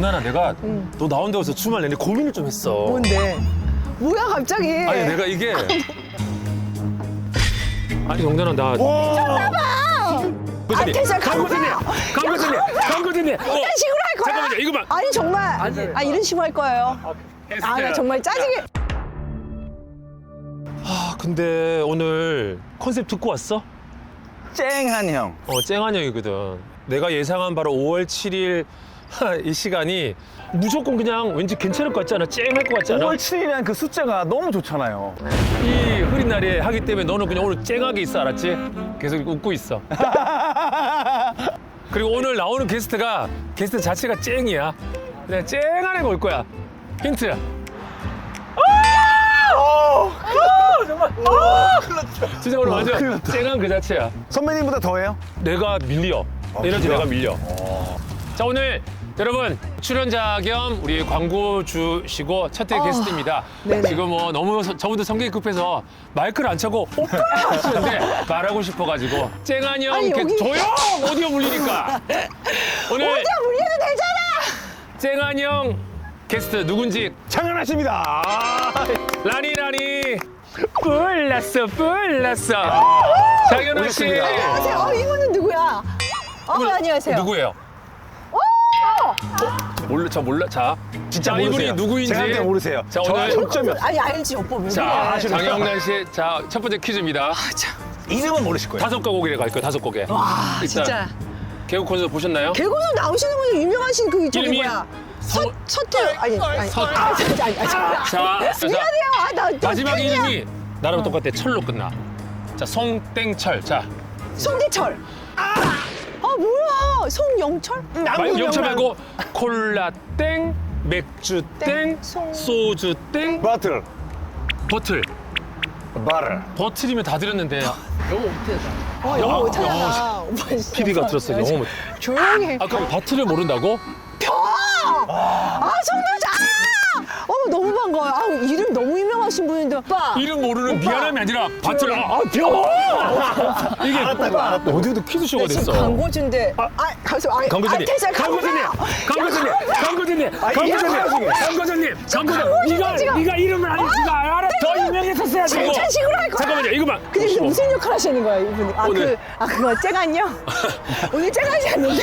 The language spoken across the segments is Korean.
정나나 내가 너 나온다고 해서 주말 내내 고민을 좀 했어. 뭔데? 뭐야 갑자기? 아니 내가 이게 아니 정나나 나 아, 됐어요. 강고진님 이런 식으로 할 거야? 잠깐만요 이거만 아니 정말 이런 식으로 할 거예요. 아 나 정말 짜증이. 아 근데 오늘 컨셉 듣고 왔어? 쨍한 형. 쨍한 형이거든. 내가 예상한 바로 5월 7일 이 시간이 무조건 그냥 왠지 괜찮을 것 같지 않아? 쨍할 것 같지 않아? 5월 7일이라는 그 숫자가 너무 좋잖아요. 이 흐린 날에 하기 때문에 너는 그냥 오늘 쨍하게 있어 알았지? 계속 웃고 있어. 그리고 오늘 나오는 게스트 자체가 쨍이야. 그냥 쨍한 애가 올 거야. 힌트. 정말. 진짜 오늘 완전 쨍한 그 자체야. 선배님보다 더해요? 내가 밀려. 에너지 내가 밀려. 자 오늘 여러분 출연자 겸 우리 광고주시고 첫회 게스트입니다. 네네. 지금 뭐 너무 저보다 성격이 급해서 마이크를 안 차고 오빠 하시는데 말하고 싶어가지고 쨍한 형 아니, 여기- 조용 오디오 물리니까 오늘 어디야 물려도 되잖아. 쨍한 형 게스트 누군지 장난하십니다. 라니 불났어 장현우 씨 오셨습니다. 안녕하세요. 이분은 누구야? 안녕하세요. 누구예요? 몰라. 자, 진짜 이분이 모르세요. 누구인지. 제가 할때 모르세요. 자, 저 오늘 점점이요. 아니 알지 오빠 왜 자, 그래? 장영란 씨, 자, 첫 번째 퀴즈입니다. 이름은 모르실 거예요. 5가곡이래 갈 거예요, 5곡에. 와 일단 진짜 개국 콘서트 보셨나요? 개고수 나오시는 분이 유명하신 그 저기 이름이 뭐야? 서- 서태 아니 서- 진짜 아니. 자, 미안해요. 나 마지막 이름이 나랑 똑같아. 철로 끝나. 자, 송땡철. 자, 송대철. 뭐야? 송영철? 영철 말고 콜라땡, 맥주땡, 송- 소주땡, 바틀. 버틀. 바를. 버틀이면 다 들었는데. 영어 못하잖아. 오빠 진짜. PD가 들었어. 영어 못. 조용히 해. 아, 그럼 버틀을 모른다고? 송대철. 너무 반가워요. 이름 너무 유명하신 분인데. 오빠. 이름 모르는 오빠. 미안함이 아니라 버틀. 이게 어디도 퀴즈쇼가 지금 됐어. 광고주인데. 가서 광고주님, 됐어요. 광고주님, 네가 이름을 알아. 더 유명했었어야지. 칭찬식으로 할 거야. 잠깐만요, 이거만. 근데 무슨 역할 하시는 거야 이분이? 오늘. 그거 쨍한요? 오늘 쨍하지 않는데.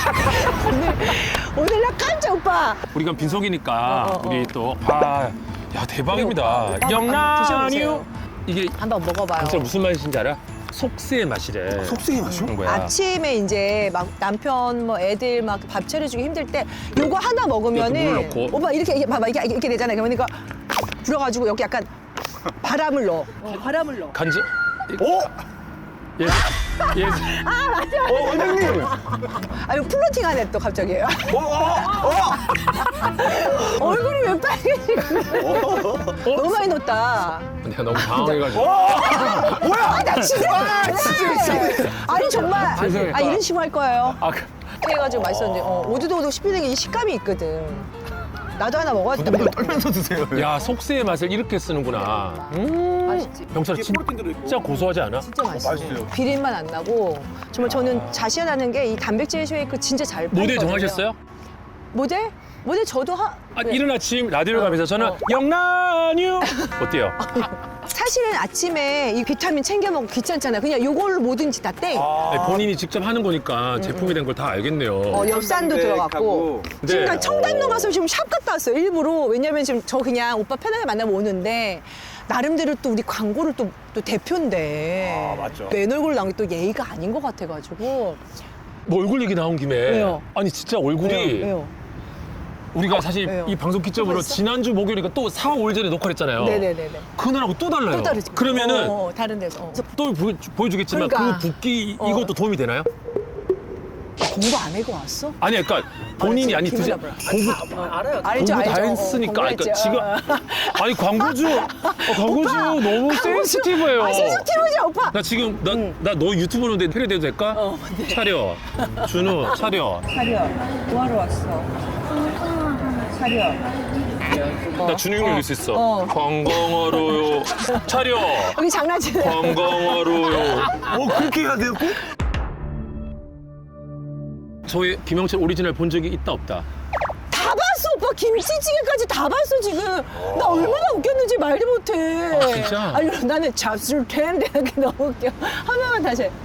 오늘 나 깜짝 오빠. 우리가 빈속이니까 우리 또 야 대박입니다. 오빠, 영란유 드셔보세요. 이게 한번 먹어봐요. 진짜 무슨 맛인지 알아? 속세의 맛이래. 속쓰기 마셔? 그런 거야. 아침에 이제 막 남편 뭐 애들 막 밥 차려주기 힘들 때 요거 하나 먹으면은 이것도 물 넣고. 오빠 이렇게 봐봐 이렇게 되잖아요. 그러니까 불어가지고 여기 약간 바람을 넣어. 바람을 넣어. 간지. 오! 예. 원장님! 이거 플로팅하네 또 갑자기. 얼굴이 왜 빨개지고? 너무 많이 넣었다. 내가 너무 당황해가지고. 뭐야! 나 진짜. 아니 정말. 죄송해요. 이런 식으로 할 거예요. 해가지고 맛있었는데 오도독오도 씹히는 게 이 식감이 있거든. 나도 하나 먹어야 돼. 떨면서 드세요. 야 속세의 맛을 이렇게 쓰는구나. 맛있지. 병철아 진짜 고소하지 않아? 진짜 맛있어. 맛있어요. 비린맛 안 나고 정말 저는 자신하는 게 이 단백질 쉐이크 진짜 잘 팔거든요. 모델 정하셨어요? 모델? 모델 저도 네. 이른 아침 라디오 가면서 저는 영란유 어때요? 사실은 아침에 이 비타민 챙겨 먹고 귀찮잖아요. 그냥 요걸로 뭐든지 다 땡. 네, 본인이 직접 하는 거니까 제품이 된 걸 다 알겠네요. 엽산도 들어갔고. 네. 지금 나 청담동 가서 지금 샵 갔다 왔어요. 일부러. 왜냐면 지금 저 그냥 오빠 편하게 만나면 오는데 나름대로 또 우리 광고를 또 대표인데. 맞죠. 맨 얼굴 나온 게 또 예의가 아닌 것 같아가지고. 뭐 얼굴 얘기 나온 김에 왜요? 아니 진짜 얼굴이 왜요? 우리가 사실 왜요? 이 방송 기점으로 뭐가 있어? 지난주 목요일이니까 또 4, 5일 전에 녹화를 했잖아요. 네네네네. 그날하고 또 달라요. 또 다르지. 그러면은 다른 데서. 또 보여주겠지만 그러니까. 그 붓기 이것도 도움이 되나요? 공부 안 하고 왔어? 아니 그러니까 본인이 아니 기분 드시 나빠요. 공부 알죠, 공부 다 알죠. 했으니까 그러니까 공부했죠. 지금 아니 광고주 너무 센시티브해요. 센시티브지 오빠. 나 지금 나 너 유튜브 보는데 패러디해도 될까? 네. 차려 준우 차려 차려. 뭐하러 왔어? 차려. 나 준우 형 읽을 수 있어. 어. 관광하러요 차려 여기 장난치네. 관광하러요. 그렇게 해야 돼요? 꼭? 저희 김영철 오리지널 본 적이 있다 없다? 다 봤어 오빠 김치찌개까지 다 봤어 지금. 나 얼마나 웃겼는지 말도 못해. 아, 진짜? 아니 나는 잡술 텐데 이렇게 너무 웃겨. 하나만 다시 해.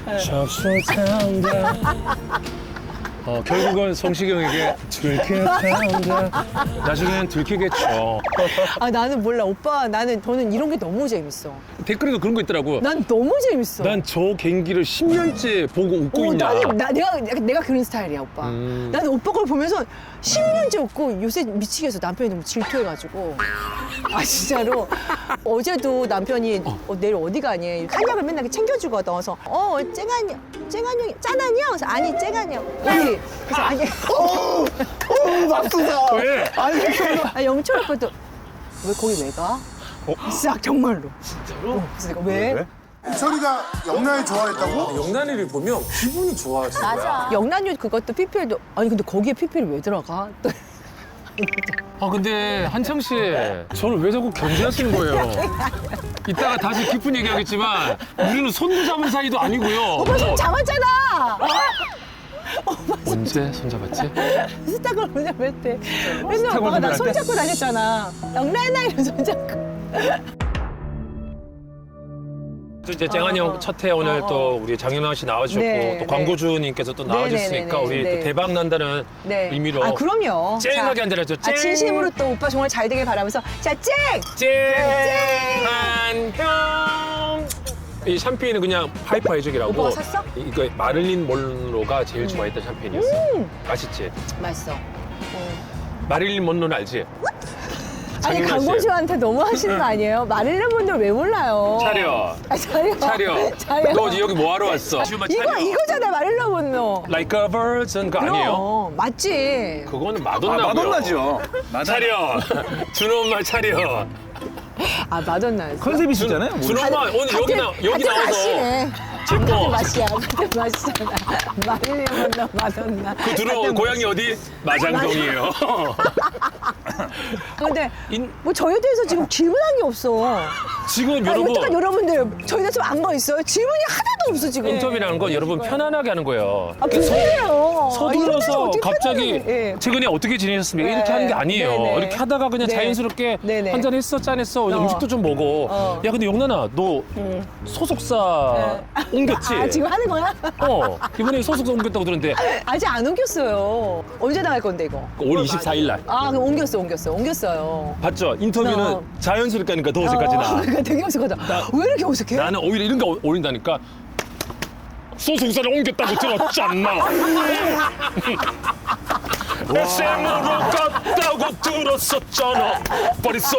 결국은 성시경에게 들켰단다. 나중엔 들키겠죠. 아 나는 몰라 오빠 저는 이런 게 너무 재밌어. 댓글에도 그런 거 있더라고. 난 너무 재밌어. 난 저 개인기를 10년째 보고 웃고 있냐. 내가 그런 스타일이야 오빠. 음. 나는 오빠 걸 보면서 10년째 웃고 요새 미치겠어. 남편이 너무 질투해가지고. 아 진짜로. 어제도 남편이 내일 어디 가니? 한약을 맨날 이렇게 챙겨주거든. 그래서 쨍한형 짠한형? 그래서 아니 쨍한형. 우리 그래서 아니 맙소사. 왜? 아 영철 오빠도 왜 거기 왜 가? 싹 정말로. 진짜로? 그래서 내가 왜? 철이가 영란이 좋아했다고? 영란이를 보면 기분이 좋아지는 거야. 영란유 그것도 PPL도 아니 근데 거기에 PPL 왜 들어가? 또 아 근데 한창 씨, 저를 왜 자꾸 견제하시는 거예요? 이따가 다시 깊은 얘기하겠지만 우리는 손도 잡은 사이도 아니고요. 오빠 손 잡았잖아. 언제 손 잡았지? 스타걸 못 잡았대. 맨날 스타걸 오빠가 나 잡을 때? 손잡고 다녔잖아. 영란아 이런 손잡고. 또 이제 쨍한 형 첫 회 오늘 또 우리 장윤아 씨 나와주셨고 네, 또 광고주님께서 또 나와주셨으니까 네, 우리 네. 또 대박 난다는 의미로 아 그럼요. 쨍하게 자, 한다라죠. 아, 진심으로 또 오빠 정말 잘 되길 바라면서 자 쨍한 형. 이 샴페인은 그냥 하이퍼 해적이라고. 오빠가 샀어? 이거 마릴린 먼로가 제일 좋아했던 샴페인이었어. 맛있지? 맛있어. 마릴린 먼로는 알지? 아니 장윤아 씨. 강고주한테 너무 하시는 거 아니에요? 마릴린 분들 왜 몰라요? 차려. 아, 차려. 차려. 너 여기 뭐 하러 왔어? 이거잖아 마릴린 분노. Like a virgin 그거 아니에요? 맞지. 그거는 마돈나고요. 마돈나죠. 차려. 준호 엄마 차려. 아 마돈나. 컨셉이시잖아요. 준호 엄마 오늘 여기 나와서 맛이네. 제모. 같은 맛이야. 같은 맛이잖아. 마릴린 분노 마돈나. 그 준호 고향이 어디? 마장동이에요. 근데 뭐 저에 대해서 지금 질문한 게 없어. 지금 여러분. 여러분 여러분들 저희 대해서 안 거 있어요? 질문이 하나도 없어 지금. 인터뷰라는 건 여러분 편안하게 하는 거예요. 아 무슨 소리예요? 서둘러서 갑자기 예. 최근에 어떻게 지내셨습니까? 네. 이렇게 하는 게 아니에요. 네네. 이렇게 하다가 그냥 네. 자연스럽게 네네. 한잔 했어, 짠했어, 음식도 좀 먹어. 야 근데 영란아 너 소속사 옮겼지? 아 지금 하는 거야? 이번에 소속사 옮겼다고 들었는데 아직 안 옮겼어요. 언제 나갈 건데 이거? 올 24일 날 아 그럼 옮겼어요. 봤죠? 인터뷰는 자연스럽게 하니까 더 어색하지 나. 그러니까 되게 어색하다. 왜 이렇게 어색해? 나는 오히려 이런 거 올린다니까. 소속사를 옮겼다고 들었잖아. SM으로 갔다고 들었었잖아. 벌써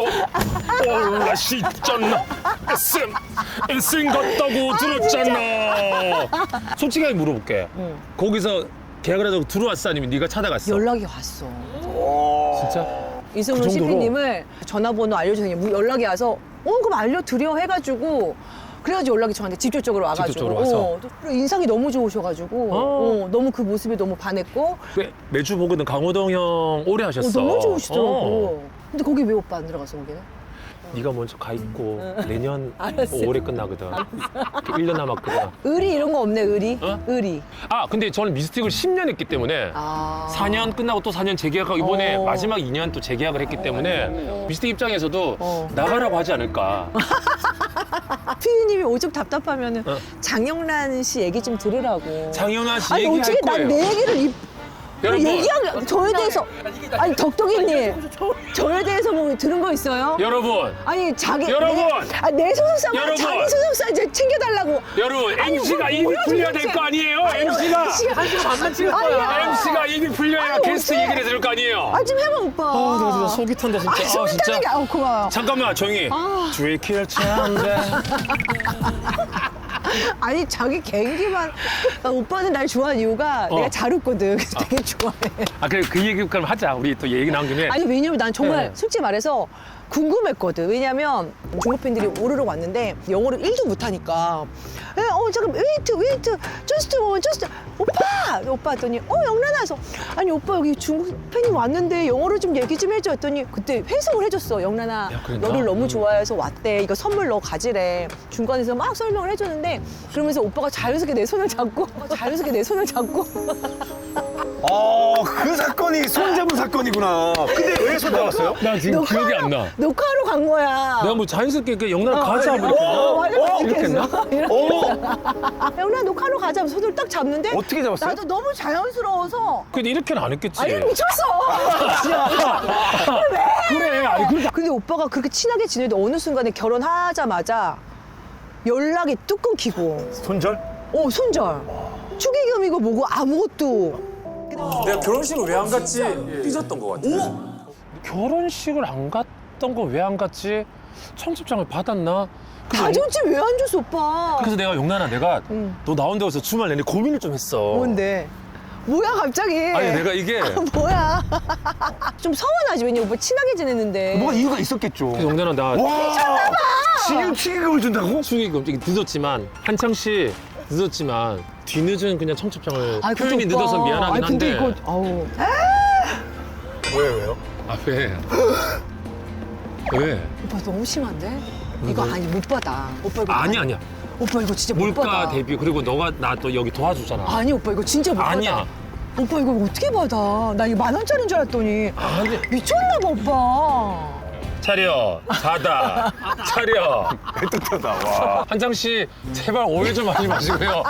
올라시잖아. SM 갔다고 들었잖아. 솔직하게 물어볼게. 거기서 계약을 하자고 들어왔어 아니면 네가 찾아갔어? 연락이 왔어. 진짜? 이승훈 그 정도로? CP님을 전화번호 알려주세요. 연락이 와서 그럼 알려드려 해가지고 그래가지고 연락이 저한테 직접적으로 와가지고 직접적으로 와서? 그리고 인상이 너무 좋으셔가지고 너무 그 모습에 너무 반했고 매주 보거든. 강호동 형 오래 하셨어. 너무 좋으시더라고. 근데 거기 왜 오빠 안 들어갔어 거기는? 네가 먼저 가 있고 내년 알았어. 올해 끝나거든. 1년 남았거든. 의리 이런 거 없네 의리? 어? 의리. 아 근데 저는 미스틱을 10년 했기 때문에 아. 4년 끝나고 또 4년 재계약하고 이번에 어. 마지막 2년 또 재계약을 했기 때문에 미스틱 입장에서도 어. 나가라고 하지 않을까. 피디님이 오죽 답답하면은 어. 장영란 씨 얘기 좀 들으라고. 장영아 씨 아니 얘기할 어떻게 거예요. 난 내 얘기를 여러분. 얘기하면 저에 대해서 아니 덕덕이님 저에 대해서 뭐 들은 거 있어요? 여러분, 아니 자기 여러분! 내 소속사만 여러분! 자기 소속사 이제 챙겨달라고. 여러분 아니, MC가 뭐, 입이 뭐야, 풀려야 도대체. 될 거 아니에요? 아니, MC가 만만 찍을 거야. MC가 입이 풀려야 아니, 게스트 어째? 얘기를 들을 거 아니에요? 아좀 해봐 오빠. 아, 나 진짜 속이 탄다 진짜. 아, 속이 타는 게 고마워요. 잠깐만 조용히. 주의킬 찬데. 아니 자기 개인기만 오빠는 날 좋아하는 이유가 내가 잘 웃거든. 그래서 되게 좋아해. 아 그래 그 얘기 그럼 하자. 우리 또 얘기 나온 김에. 아니 왜냐면 난 정말 네. 솔직히 말해서 궁금했거든. 왜냐면 중국 팬들이 오르러 왔는데 영어를 1도 못하니까 잠깐 웨이트 just 오빠 했더니 영란아 해서 아니 오빠 여기 중국 팬이 왔는데 영어로 좀 얘기 좀 해줘 했더니 그때 회성을 해줬어. 영란아 야, 그랬나? 너를 너무 좋아해서 왔대. 이거 선물 너 가지래. 중간에서 막 설명을 해줬는데 그러면서 오빠가 자연스럽게 내 손을 잡고 그 사건이 손잡은 사건이구나. 근데 왜 손 잡았어요? 나 지금 기억이 안 나. 녹화하러 간 거야. 내가 뭐 자연스럽게 그 영남 가자 뭐 이렇게 맞아, 이렇게 했나? 영나 녹화로 가자 하면서 손을 딱 잡는데 어떻게 잡았어요? 나도 너무 자연스러워서 근데 이렇게는 안 했겠지. 아니 미쳤어. 그래. 아니 그러니까 근데 오빠가 그렇게 친하게 지내도 어느 순간에 결혼하자마자 연락이 뚝 끊기고 손절? 손절 축의금이고 뭐고 아무것도 내가 결혼식을 왜 안 갔지 삐졌던 것 같아. 결혼식을 안 갔던 거 왜 안 갔지? 청첩장을 받았나? 그래서 가정집 왜 안 줬어 오빠? 그래서 내가 영란아 내가 너 나온다고 해서 주말 내내 고민을 좀 했어. 뭔데? 뭐야 갑자기? 아니 내가 이게 뭐야? 좀 서운하지 왜냐 오빠 친하게 지냈는데. 뭐가 이유가 있었겠죠. 영란아 나 와! 지금 축의금을 준다고? 축의금 늦었지만 한창 씨 늦었지만 뒤늦은 그냥 청첩장을 아이, 근데 표현이 오빠. 늦어서 미안하긴 아니, 근데 한데. 이거 아우. 왜요? 아 왜? 왜? 오빠 너무 심한데? 이거 아니 못 받아. 오빠 이거 아니야. 오빠 이거 진짜 못 물가 받아. 대비 그리고 너가 나 또 여기 도와주잖아. 아니 오빠 이거 진짜 못 아니야. 받아. 오빠 이거 어떻게 받아? 나 이거 10,000원짜리인 줄 알았더니 아니. 미쳤나 봐 오빠. 차려 자다 차려. 애틋하다, 와. 한창 씨 제발 오해 좀 하지 마시고요.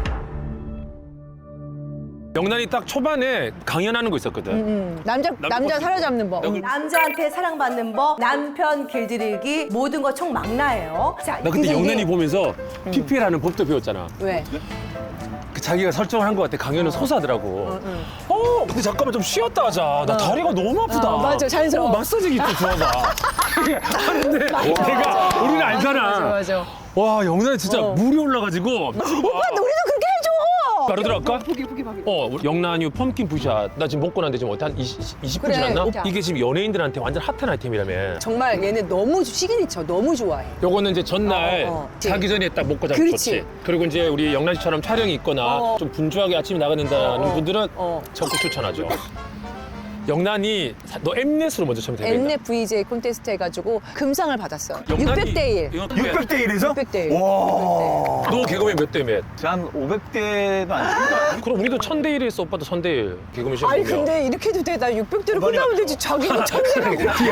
영란이 딱 초반에 강연하는 거 있었거든. 남자 사로잡는 법. 남자한테 사랑받는 법, 남편 길들이기, 모든 거 총망라예요. 자, 나 그때 영란이 보면서 PPL하는 법도 배웠잖아. 왜? 그 자기가 설정을 한 것 같아. 강연은 소사더라고. 근데 잠깐만 좀 쉬었다 하자. 나 다리가 너무 아프다. 맞아, 자연스러워. 마사지기 좀 줘봐. 하는데 내가 우리는 알잖아. 맞아. 와 영란이 진짜 물이 올라가지고. 오빠 우리도 그렇게 해줘. 바로 들어갈까? 우리 영란유 펌킨 부샷. 나 지금 먹고 났는데 지금 어때? 한 20분 그래. 지났나? 오빠. 이게 지금 연예인들한테 완전 핫한 아이템이라며. 정말 얘네 너무 시그니처 너무 좋아해. 요거는 이제 전날 어. 자기 전에 딱 먹고 자면 그렇지. 좋지. 그리고 이제 우리 영란 씨처럼 촬영이 있거나 좀 분주하게 아침에 나가야 된다는 분들은 적극 추천하죠. 영란이 너 엠넷으로 먼저 처음 데뷔했다. 엠넷 VJ 콘테스트 해가지고 금상을 받았어. 영란이 600대 1. 600대 1에서? 600대 1. 와. 너 개그맨 몇 대 몇? 한 500대도 안 그럼 우리도 1000대 1 했어. 오빠도 1000대 1. 개그맨 시험 아니 보면. 근데 이렇게 해도 돼. 나 600대로 끝나면 되지. 자기가 1000대라고.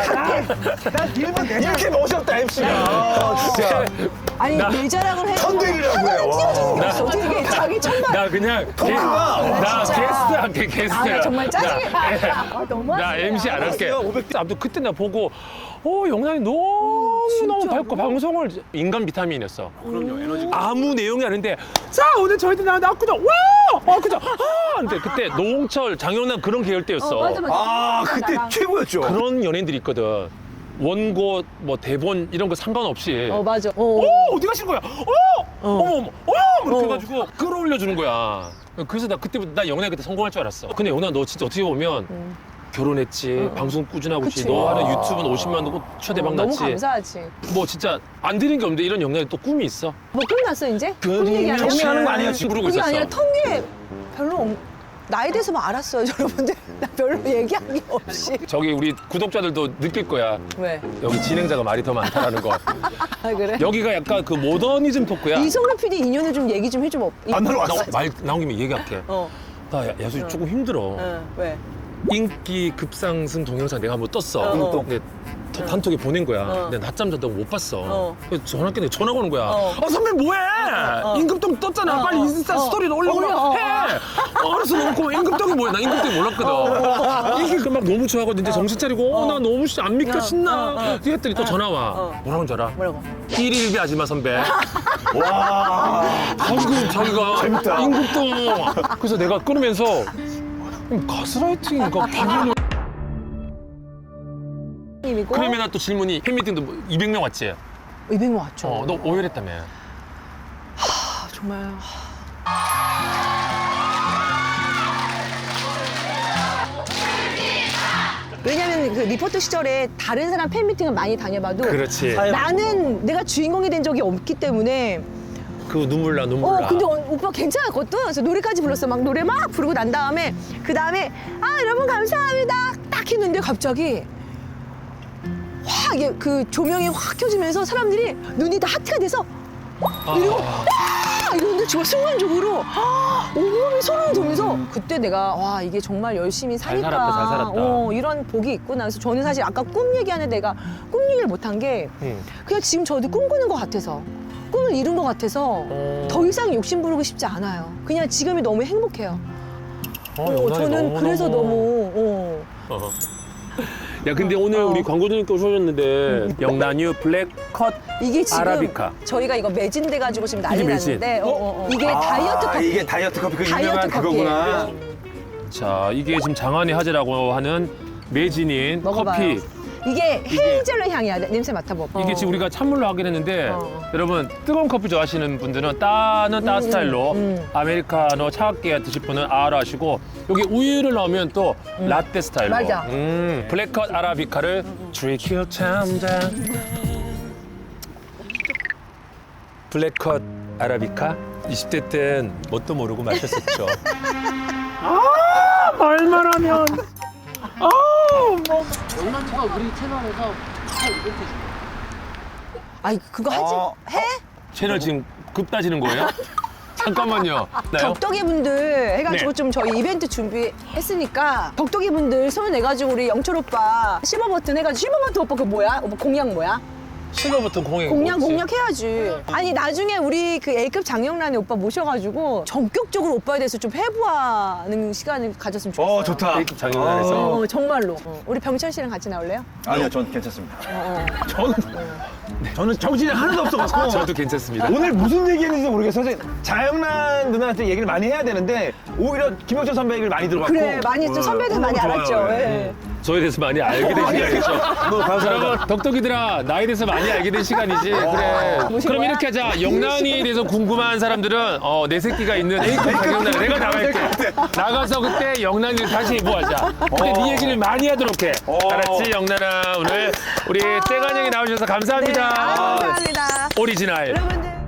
이렇게 멋있다, MC가. 진짜. 아니 내 자랑을 해. 1000대1이라고 해요. 띄워주는 게 없어. 어떻게 자기 천만. 나 그냥 나 진짜. 게스트 할게 게스트. 아, 나 정말 짜증나. 나 MC 안 할게. 알았어요, 500대. 아무튼 그때 나 보고 영란이 너무 밝고 방송을 인간 비타민이었어. 그럼요 에너지. 아무 내용이 아닌데 자 오늘 저희들 나왔거든. 와 그죠. 근데 그때 노홍철 장영란 그런 계열대였어. 아, 그때 최고였죠. 그런 연예인들이 있거든. 원고 뭐 대본 이런 거 상관없이. 맞아. 어디 가신 거야? 어머 이렇게 해가지고 끌어올려 주는 거야. 그래서 나 그때부터 나 영란이 그때 성공할 줄 알았어. 근데 영란아 너 진짜 어떻게 보면 결혼했지, 방송 꾸준하고 있지, 그치. 너 하는 유튜브는 50만 초대박 너무 났지. 감사하지. 뭐 진짜 안 되는 게 없는데 이런 영란이 또 꿈이 있어. 뭐 끝났어 이제? 꿈 얘기 안 해? 정리하는 거 아니에요? 지금 부르고 그게 있었어. 아니라 통계 별로 나에 대해서만 알았어요 여러분들. 나 별로 얘기한 게 없이. 저기 우리 구독자들도 느낄 거야. 왜? 여기 진행자가 말이 더 많다라는 거. 아 그래? 여기가 약간 그 모더니즘 토크야. 이성래 PD 인연을 좀 얘기 좀 해줘. 안 들어왔어. 말 나온 김에 얘기할게. 나 야수 조금 힘들어. 왜? 인기 급상승 동영상 내가 한번 떴어. 근데 단톡에 보낸 거야. 근데 낮잠 자다고 못 봤어. 그래서 전화했는데 전화가 오는 거야. 선배 뭐해? 임금동 떴잖아. 빨리 인스타 스토리를 올려. 해. 알았어 너무 고마워. 임금동이 뭐야? 나 임금동이 몰랐거든. 이게 막 너무 좋아하거든. 이제 정신 차리고 나 너무 안 믿겨 신나. 했더니 또 전화 와. 뭐라고 줄 알아? 뭐라고? 1일비 하지 마 선배. 와. 방금 자기가 재밌다. 임금동. 그래서 내가 끊으면서 가스라이팅인가 기분이. 님이고 그러면 나 또 질문이 팬미팅도 200명 왔지? 200명 왔죠. 너 오열했다며. 정말. 왜냐면 그 리포터 시절에 다른 사람 팬미팅을 많이 다녀봐도 그렇지. 나는 내가 주인공이 된 적이 없기 때문에 그 눈물 나 눈물 나. 근데 오빠 괜찮았거든. 그래서 노래까지 불렀어. 막 노래 막 부르고 난 다음에 그 다음에 여러분 감사합니다 딱 했는데 갑자기 확 이게 그 조명이 확 켜지면서 사람들이 눈이 다 하트가 돼서 그리고 이런데 정말 순간적으로 온몸이 소름이 돋면서 그때 내가 와 이게 정말 열심히 잘 사니까 살았다, 잘 살았다. 이런 복이 있구나. 그래서 저는 사실 아까 꿈 얘기하는데 내가 꿈 얘기를 못한 게 그냥 지금 저도 꿈꾸는 것 같아서 꿈을 이룬 것 같아서 더 이상 욕심 부르고 싶지 않아요. 그냥 지금이 너무 행복해요. 영란이 저는 그래서 너무 야 근데 오늘 우리 광고주님께 오셨는데 영란유 블랙컷 이게 지금 아라비카. 저희가 이거 매진돼 가지고 지금 난리 이게 매진? 났는데 이게 다이어트 커피. 이게 다이어트 커피 그 다이어트 유명한 커피예요. 그거구나. 자 이게 지금 장안의 화제라고 하는 매진인 먹어봐요. 커피. 이게 헤이즐넛 향이야. 냄새 맡아봐. 이게 지금 우리가 찬물로 하긴 했는데 여러분 뜨거운 커피 좋아하시는 분들은 따는 따 스타일로 아메리카노 차갑게 드실 분은 아로 하시고 여기 우유를 넣으면 또 라떼 스타일로 맞아. 블랙컷 아라비카를 드리킬 참자 블랙컷 아라비카 20대 땐 뭣도 모르고 마셨었죠. 말만 하면 아이 그거 하지 해? 채널 지금 급 따지는 거예요? 잠깐만요. 나요? 덕덕이 분들 해가지고 네. 좀 저희 이벤트 준비했으니까 덕덕이 분들 손을 내가지고 우리 영철 오빠 실버 버튼 해가지고 실버 버튼 오빠 그 뭐야? 오빠 공약 뭐야? 실버 버튼 공약 공약 해야지. 아니 나중에 우리 그 A급 장영란의 오빠 모셔가지고 전격적으로 오빠에 대해서 좀 해부하는 시간을 가졌으면 좋겠어요. 좋다. A급 장영란에서 정말로. 우리 병철 씨랑 같이 나올래요? 아니요, 전 괜찮습니다. 네. 저는 정신이 하나도 없어갖고. 저도 괜찮습니다. 오늘 무슨 얘기했는지 모르겠어요. 사실 자영란 누나한테 얘기를 많이 해야 되는데 오히려 김영철 선배 얘기를 많이 들어갔고. 그래 많이 좀 선배들 많이 좋아요. 알았죠. 네. 예. 저에 대해서 많이 알게 된 시간이죠. 너무 감사합니다. 여러분 덕덕이들아 나에 대해서 많이 알게 된 시간이지. 그래. 무슨 그럼 거야? 이렇게 하자. 영란이에 대해서 궁금한 사람들은 내 새끼가 있는 A급 장영란에 내가 나갈게. 나가서 그때 영란이를 다시 해보하자. 그때 네 얘기를 많이 하도록 해. 알았지 영란아. 오늘 우리 땡한 형이 나오셔서 감사합니다. 감사합니다. 오리지널. 여러분들.